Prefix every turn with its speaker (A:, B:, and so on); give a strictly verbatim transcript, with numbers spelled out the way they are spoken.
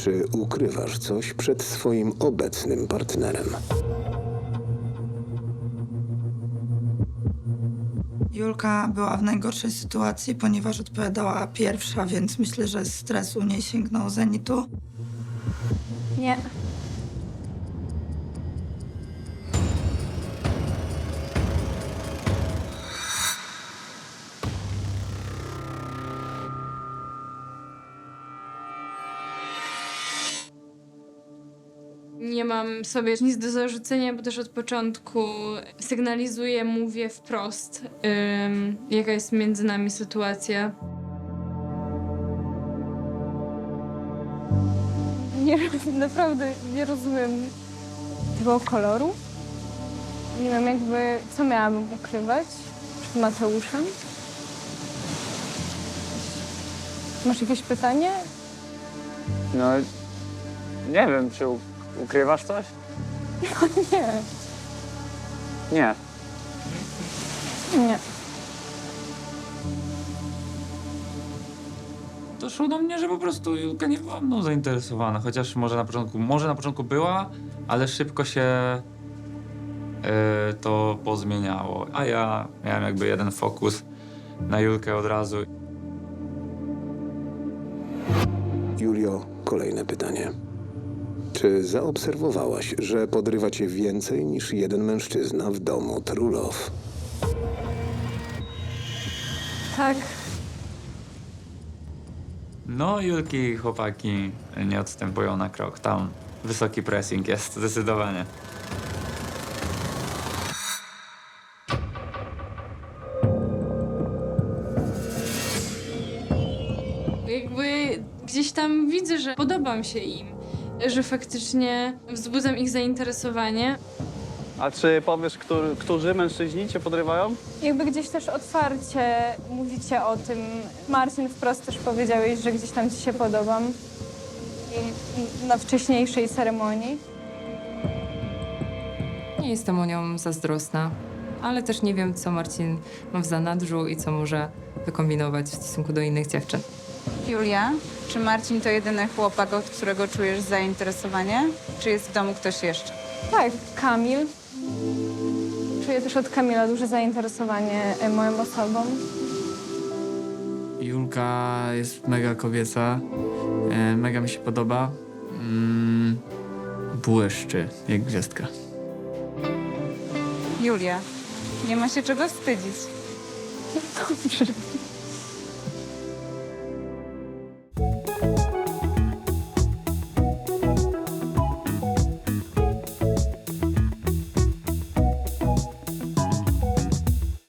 A: Czy ukrywasz coś przed swoim obecnym partnerem?
B: Julka była w najgorszej sytuacji, ponieważ odpowiadała pierwsza, więc myślę, że stres u niej sięgnął zenitu.
C: Nie.
D: Nie mam sobie nic do zarzucenia, bo też od początku sygnalizuję, mówię wprost, ym, jaka jest między nami sytuacja.
C: Nie, naprawdę nie rozumiem tego koloru. Nie wiem, jakby, co miałabym ukrywać przed Mateuszem. Masz jakieś pytanie?
E: No, nie wiem, czy u- ukrywasz coś?
C: Nie,
E: Nie.
C: nie.
F: Doszło do mnie, że po prostu Julka nie była mną zainteresowana, chociaż może na początku, może na początku była, ale szybko się yy, to pozmieniało. A ja miałem jakby jeden fokus na Julkę od razu.
A: Julio, kolejne pytanie. Czy zaobserwowałaś, że podrywa cię więcej niż jeden mężczyzna w domu Trulow?
C: Tak,
F: No, Julki i chłopaki nie odstępują na krok. Tam wysoki pressing jest, zdecydowanie.
D: Jakby gdzieś tam widzę, że podobam się im, że faktycznie wzbudzam ich zainteresowanie.
E: A czy powiesz, który, którzy mężczyźni cię podrywają?
C: jakby gdzieś też otwarcie mówicie o tym. Marcin, wprost też powiedziałeś, że gdzieś tam ci się podobam. I na wcześniejszej ceremonii.
G: Nie jestem o nią zazdrosna, ale też nie wiem, co Marcin ma w zanadrzu i co może wykombinować w stosunku do innych dziewczyn.
H: Julia, czy Marcin to jedyny chłopak, od którego czujesz zainteresowanie? Czy jest w domu ktoś jeszcze?
C: Tak, Kamil. Czuję też od Kamila duże zainteresowanie e, moją osobą.
I: Julka jest mega kobieca, e, mega mi się podoba. Mm, błyszczy jak gwiazdka.
H: Julia, nie ma się czego wstydzić.
C: Dobrze.